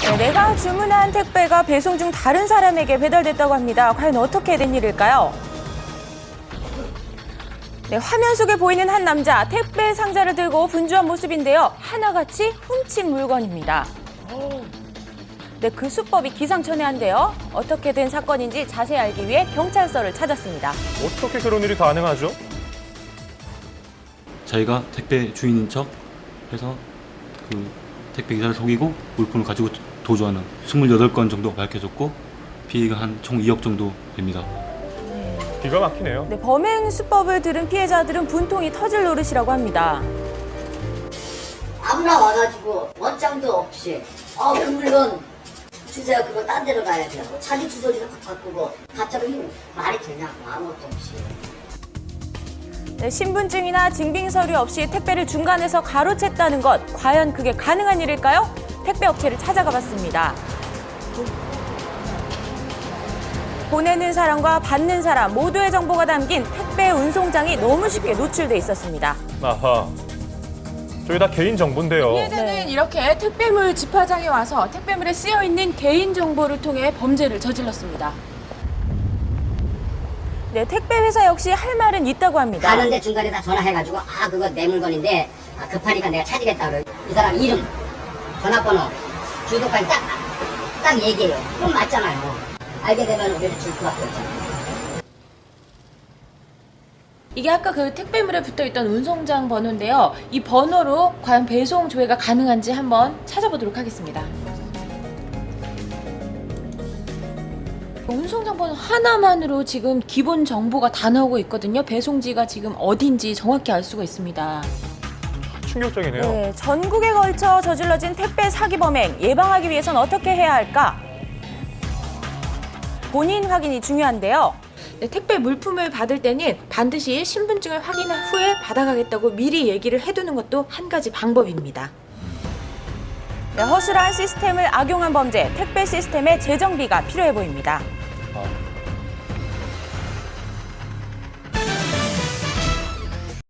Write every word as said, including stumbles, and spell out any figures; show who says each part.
Speaker 1: 네, 내가 주문한 택배가 배송 중 다른 사람에게 배달됐다고 합니다. 과연 어떻게 된 일일까요? 네, 화면 속에 보이는 한 남자, 택배 상자를 들고 분주한 모습인데요. 하나같이 훔친 물건입니다. 네, 그 수법이 기상천외한데요. 어떻게 된 사건인지 자세히 알기 위해 경찰서를 찾았습니다.
Speaker 2: 어떻게 그런 일이 가능하죠?
Speaker 3: 자기가 택배 주인인 척 해서 그 택배 기사를 속이고 물품을 가지고 도주하는 이십팔 건 정도 밝혀졌고 피해가 한 총 이억 정도 됩니다.
Speaker 2: 기가 막히네요.
Speaker 1: 네, 범행 수법을 들은 피해자들은 분통이 터질 노릇이라고 합니다.
Speaker 4: 아무나 와가지고 원장도 없이 어 그 물건 주세요. 그거 딴 데로 가야 돼요. 자기 주소지도 바꾸고 갑자기 말이 되냐고 아무것도 없이.
Speaker 1: 네, 신분증이나 증빙서류 없이 택배를 중간에서 가로챘다는 것. 과연 그게 가능한 일일까요? 택배 업체를 찾아가 봤습니다. 보내는 사람과 받는 사람 모두의 정보가 담긴 택배 운송장이 너무 쉽게 노출돼 있었습니다.
Speaker 2: 아하. 저희 다 개인 정보인데요.
Speaker 5: 피해자는
Speaker 1: 네.
Speaker 5: 이렇게 택배물 집화장에 와서 택배물에 쓰여 있는 개인 정보를 통해 범죄를 저질렀습니다.
Speaker 1: 네, 택배 회사 역시 할 말은 있다고 합니다.
Speaker 4: 가는데 중간에 다 전화해가지고 아 그거 내 물건인데 아, 급하니까 내가 찾으겠다 그래. 이 사람 이름, 전화번호, 주소까지 딱, 딱 얘기해요. 그럼 맞잖아요. 알게 되면 우리를 줄 수밖에 없잖아요.
Speaker 5: 이게 아까 그 택배물에 붙어있던 운송장 번호인데요. 이 번호로 과연 배송 조회가 가능한지 한번 찾아보도록 하겠습니다. 운송장 번호 하나만으로 지금 기본 정보가 다 나오고 있거든요. 배송지가 지금 어딘지 정확히 알 수가 있습니다.
Speaker 2: 충격적이네요.
Speaker 1: 네, 전국에 걸쳐 저질러진 택배 사기 범행 예방하기 위해선 어떻게 해야 할까? 본인 확인이 중요한데요.
Speaker 5: 네, 택배 물품을 받을 때는 반드시 신분증을 확인한 후에 받아가겠다고 미리 얘기를 해두는 것도 한 가지 방법입니다.
Speaker 1: 네, 허술한 시스템을 악용한 범죄, 택배 시스템의 재정비가 필요해 보입니다.
Speaker 2: 아,